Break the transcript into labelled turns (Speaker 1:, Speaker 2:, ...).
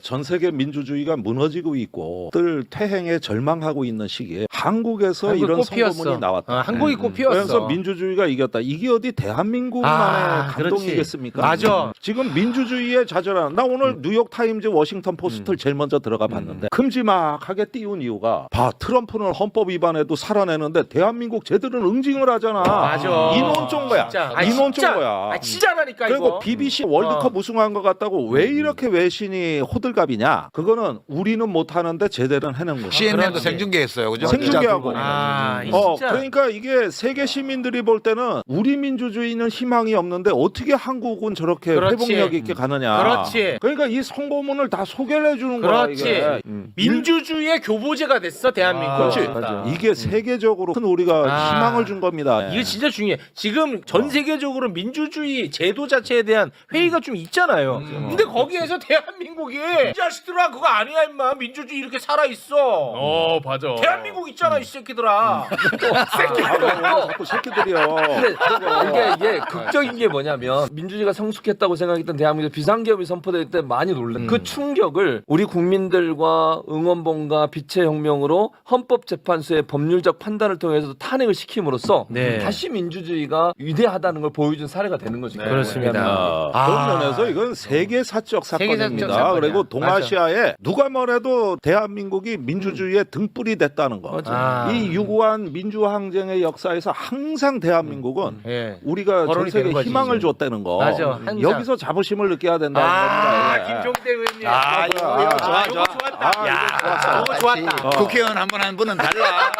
Speaker 1: 전 세계 민주주의가 무너지고 있고 늘 퇴행에 절망하고 있는 시기에 한국에서 이런 선거문이 나왔다.
Speaker 2: 한국이 꽃피었어.
Speaker 1: 그래서 민주주의가 이겼다. 이게 어디 대한민국만의 감동이겠습니까?
Speaker 2: 맞아.
Speaker 1: 지금 민주주의에 좌절하는 나 오늘 뉴욕타임즈 워싱턴 포스트를 제일 먼저 들어가 봤는데 큼지막하게 띄운 이유가 봐 트럼프는 헌법 위반에도 살아내는데 대한민국 쟤들은 응징을 하잖아.
Speaker 2: 맞아.
Speaker 1: 인원ጮ인 거야. 인원ጮ인 거야.
Speaker 2: 진짜라니까
Speaker 1: 그리고
Speaker 2: 이거.
Speaker 1: BBC 월드컵 우승한 것 같다고 왜 이렇게 외신이 호들갑이냐? 그거는 우리는 못하는데 제대로 해낸 거야.
Speaker 3: CNN도 생중계했어요, 그죠?
Speaker 1: 생중계하고.
Speaker 2: 진짜.
Speaker 1: 그러니까 이게 세계 시민들이 볼 때는 우리 민주주의는 희망이 없는데 어떻게 한국은 저렇게
Speaker 2: 그렇지.
Speaker 1: 회복력 있게 가느냐.
Speaker 2: 그렇지.
Speaker 1: 그러니까 이 선거문을 다 소개를 해주는 거야.
Speaker 2: 그렇지.
Speaker 1: 이게.
Speaker 2: 민주주의의 교보제가 됐어 대한민국.
Speaker 1: 그렇지.
Speaker 2: 맞아.
Speaker 1: 이게 세계적으로 큰 우리가 희망을 준 겁니다.
Speaker 2: 이게 진짜 중요해. 지금 전 세계적으로 민주주의 제도 자체에 대한 회의가 좀 있잖아요. 근데 거기에서 대한민국이 이 자식들아 그거 아니야 임마 민주주의 이렇게 살아 있어.
Speaker 4: 맞아.
Speaker 2: 대한민국 있잖아 이 새끼들아.
Speaker 1: 자꾸 새끼들이요.
Speaker 5: 근데 이게 극적인 게 뭐냐면 민주주의가 성숙했다고 생각했던 대한민국 비상계엄이 선포될 때 많이 놀랐. 그 충격을 우리 국민들과 응원봉과 빛의 혁명으로 헌법재판소의 법률적 판단을 통해서 탄핵을 시킴으로써
Speaker 2: 네.
Speaker 5: 다시 민주주의가 위대하다는 걸 보여준 사례가 되는 거죠.
Speaker 2: 그렇습니다.
Speaker 1: 그런 면에서 이건 세계사적 사건입니다.
Speaker 2: 사건이야.
Speaker 1: 그리고 동아시아에 누가 뭐래도 대한민국이 민주주의의 등불이 됐다는 거. 이 유구한 민주항쟁의 역사에서 항상 대한민국은
Speaker 2: 예.
Speaker 1: 우리가 전
Speaker 2: 거론이
Speaker 1: 세계
Speaker 2: 되는 거지,
Speaker 1: 희망을
Speaker 2: 지금.
Speaker 1: 줬다는 거.
Speaker 2: 맞아, 항상.
Speaker 1: 여기서 자부심을 느껴야 된다는 겁니다. 예.
Speaker 2: 김종대 의원님.
Speaker 3: 이거 좋아, 좋아.
Speaker 2: 좋았다.
Speaker 1: 아, 이거 좋았어.
Speaker 2: 이거 좋았다.
Speaker 3: 국회의원 한 번 한 분은 달라.